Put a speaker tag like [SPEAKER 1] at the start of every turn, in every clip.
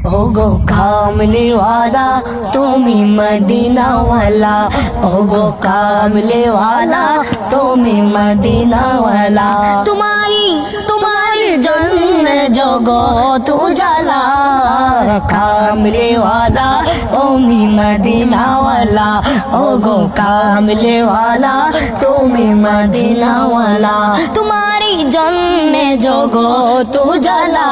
[SPEAKER 1] ओगो कामले वाला तुम्ही मदीना वाला, ओगो कामले वाला तुम्ही मदीना वाला। तुम्हारी जन्ने जगो तू जला, कामले वाला तुम्ही मदीना वाला, ओगो कामले वाला तुम्ही मदीना वाला। तुम्हारी जन्ने जगो तू जला,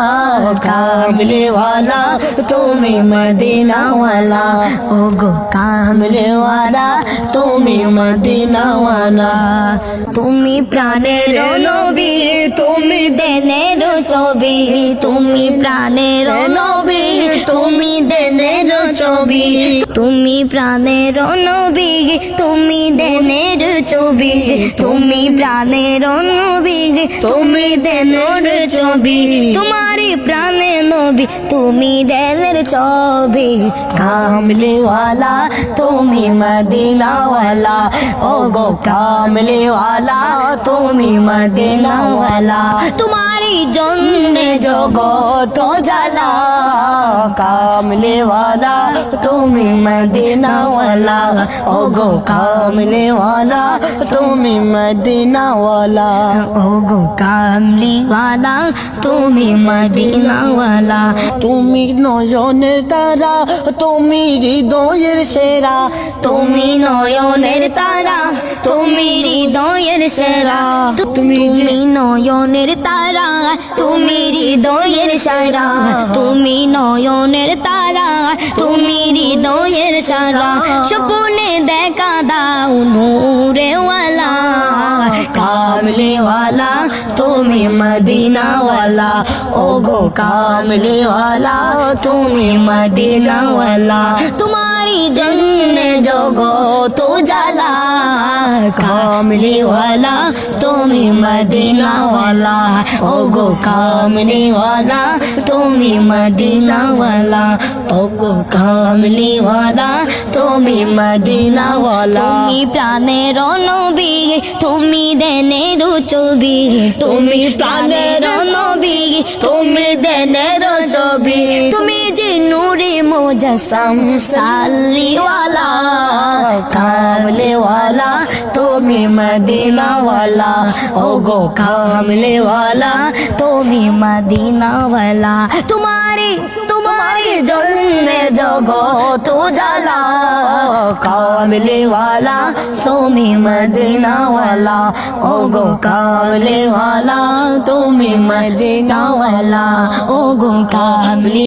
[SPEAKER 1] कामले वाला तुम्ही मदीना वाला, ओगो कामले वाला तुम्ही मदीना वाला। তুমি প্রাণের নবী, তুমি দেনের ছবি, তুমি প্রাণের নবী, তুমি দেনের ছবি, তুমি প্রাণের নবী, তুমি দেনের ছবি, তুমি প্রাণের নবী, তুমি দেনের ছবি, তোমারি প্রাণে নবী তুমি দেনের ছবি। কামলে वाला তুমি মদিনা वाला, ওগো কামলে वाला তুমি মদিনা वाला। तुम्हारी जन्ने जगत जाला, कामले वाला তুমি मदीना वाला, ओगो कामले वाला তুমি मदीना वाला, ओगो कामले वाला তুমি मदीना वाला। তুমি নয়নের তারা, তুমি হৃদয়ের সেরা, তুমি নয়নের তারা, তুমি হৃদয়ের সেরা, তুমি নয়নের তারা, তুমি হৃদয়ের সেরা, তুমি নয়নের তারা, তুমি হৃদয়ের সারা। স্বপ্নে দেখা দাও নূরে ওয়ালা, কামলে वाला তুমি মদিনা वाला, ওগো কামলে वाला তুমি মদিনা वाला। तुम्हारी जन्ने जगत जाला, कामले वाला তুমি मदीना वाला, ओगो कामले वाला তুমি मदीना वाला, ओगो कामले वाला তুমি मदीना वाला। তুমি প্রাণের নবী, তুমি দেনের ছবি, তুমি প্রাণের নবী, তুমি দেনের ছবি, তুমি যে নূরে মুজাসসাম সাল্লি वाला, कामले वाला তুমি मदीना वाला, ओगो कामले वाला তুমি मदीना वाला। तुम्हारी जन्ने जगत जाला, कामले वाला তুমি मदीना वाला, ओगो कामले वाला তুমি मदीना वाला, ओगो कामले